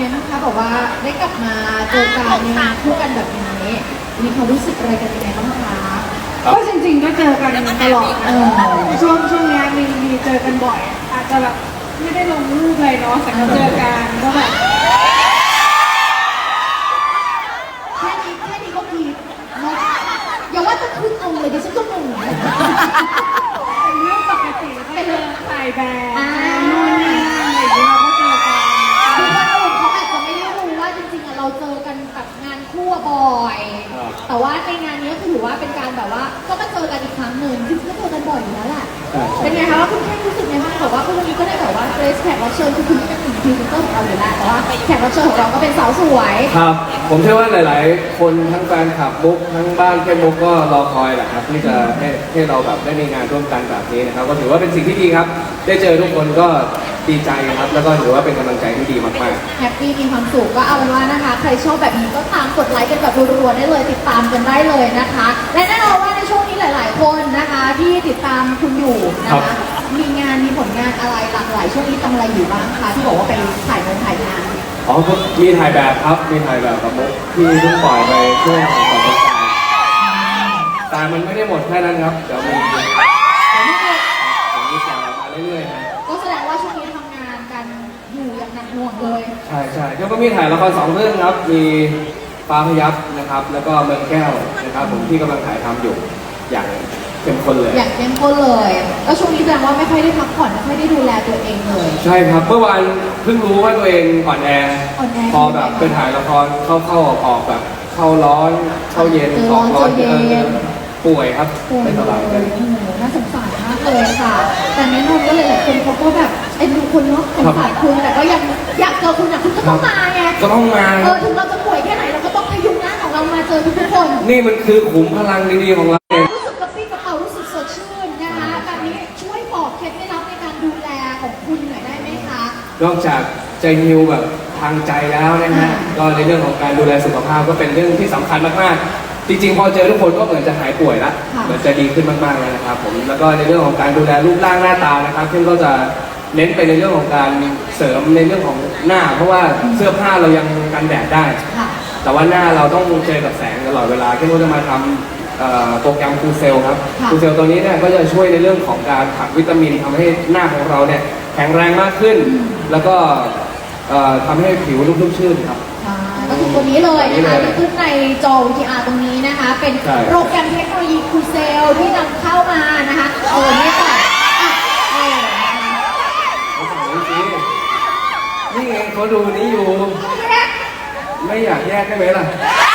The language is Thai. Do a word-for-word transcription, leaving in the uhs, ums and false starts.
ไงบ้างคะบอกว่าได้กลับมาเจอกันในงานคู่กันแบบนี้มีความรู้สึกอะไรกันยังไงบ้างคะก็จริงๆก็เจอกันตลอดเออช่วงช่วงนี้มีมีเจอกันบ่อยอาจจะแบบไม่ได้ลงรูปเลยเนาะแต่ก็เจอกันก็แบบแค่นี้แค่นี้ก็พีคเนาะอย่าว่าจะขึ้นองค์เลยดิฉันก็งงเป็นเรื่องปกติก็เจอถ่ายแบบนู่นนี่อะไรอย่างเงี้ยเราก็เจอกันคือคนอื่นเขาอาจจะไม่ได้รู้ว่าจริงๆอะเราเจอกันแบบงานคู่บ่อยแต่ว่าในงานนี้ก็ถือว่าเป็นการแบบว่าก็มาเจอกันอีกครั้งหนึ่งจริงๆก็เจอกันบ่อยอยู่แล้วแหละเป็นไงคะว่าคุณแค่รู้สึกไงบ้างแบบว่าวันนี้ก็ได้แบบว่าเกรซแขกรับเชิญคือคุณเป็นหนึ่งพรีเซนเตอร์ของเราอยู่แล้วแต่ว่าแขกรับเชิญของเราก็เป็นสาวสวยครับผมเชื่อว่าหลายๆคนทั้งแฟนคลับมุกทั้งบ้านแค่มุกก็รอคอยแหละครับที่จะให้ให้เราแบบได้มีงานร่วมกันแบบนี้นะครับก็ถือว่าเป็นสิ่งที่ดีครับได้เจอทุกคนก็ดีใจครับแล้วก็ถือว่าเป็นกำลังใจที่ดีมากๆแฮปปี้มีความสุขก็เอาเป็นว่านะคะใครชอบแบบนี้ก็ตามกดไลค์กันแบบรัวๆได้เลยติดตามกันได้เลยนะคะและแน่นอนว่าในช่วงนี้หลายๆคนนะคะที่ติดตามคุณอยู่นะคะมีงานมีผลงานอะไรหลากหลายช่วงนี้ทำอะไรอยู่บ้างคะที่บอกว่าไปถ่ายงานถ่ายงานอ๋อมีถ่ายแบบครับมีถ่ายแบบกับมุกที่เพิ่งปล่อยไปช่วงก่อนสงกรานต์แต่มันไม่ได้หมดแค่นั้นครับเดี๋ยวมีเดี๋ยวมีมีถ่ายมาเรื่อยๆนะก็แสดงว่าช่วงนี้ทำงานกันอยู่อย่างหนักหน่วงเลยใช่ใช่แล้วก็มีถ่ายละครสองเรื่องครับมีฟ้าพยับนะครับแล้วก็เมืองแก้วนะครับผมที่กำลังถ่ายทำอยู่อย่างเข้มข้นเลยอย่างเข้มข้นเลยแล้วช่วงนี้แสดงว่าไม่ค่อยได้พักผ่อนไม่ค่อยได้ดูแลตัวเองเลยใช่ครับเมื่อวานเพิ่งรู้ว่าตัวเองอ่อนแอพอแบบไปถ่ายละครเข้าเข้าออกออกแบบเข้าร้อนเข้าเย็นออกร้อนเย็นป่วยครับไม่สบายเลยน่าสงสารมากเลยค่ะแต่แน่นอนก็เลยหลายคนเขาก็แบบไอ้ดูคนเนาะสงสารคุณแต่ก็ยังอยากเจอคุณอ่ะคุณก็ต้องมาไงก็ต้องมาเออถึงเราจะป่วยแค่ไหนเราก็ต้องพยุงร่างของเรามาเจอทุกคนนี่มันคือขุมพลังดีๆของเรารู้สึกกระปรี้กระเป๋ารู้สึกสดชื่นนะคะแบบนี้ช่วยบอกเคล็ดไม่ลับในการดูแลของคุณหน่อยได้ไหมคะนอกจากใจฮิวแบบทางใจแล้วนะฮะก็ในเรื่องของการดูแลสุขภาพก็เป็นเรื่องที่สำคัญมากๆจริงๆพอเจอทุกคนก็เหมือนจะหายป่วยละเหมือนจะดีขึ้นมากๆแล้วนะครับผมแล้วก็ในเรื่องของการดูแลรูปร่างหน้าตานะครับซึ่งก็จะเน้นไปในเรื่องของการเสริมในเรื่องของหน้าเพราะว่าเสื้อผ้าเรายังกันแดดได้แต่ว่าหน้าเราต้องเจอกับแสงตลอดเวลาที่เราจะมาทำโปรแกรมคูเซลครับคูเซลตัวนี้เนี่ยก็จะช่วยในเรื่องของการผลักวิตามินทำให้หน้าของเราเนี่ยแข็งแรงมากขึ้นแล้วก็ทำให้ผิวนุ่มชื่นครับก็คือตัวนี้เลยนะคะที่ขึ้นในจอ วี ที อาร์ ตรงนี้นะคะเป็นโปรแกรมเทคโนโลยีคูเซลที่นำเข้ามานะคะเออไม่ต่อนี่ไงเขาดูนี้อยู่ไม่อยากแยกได้ไหมล่ะ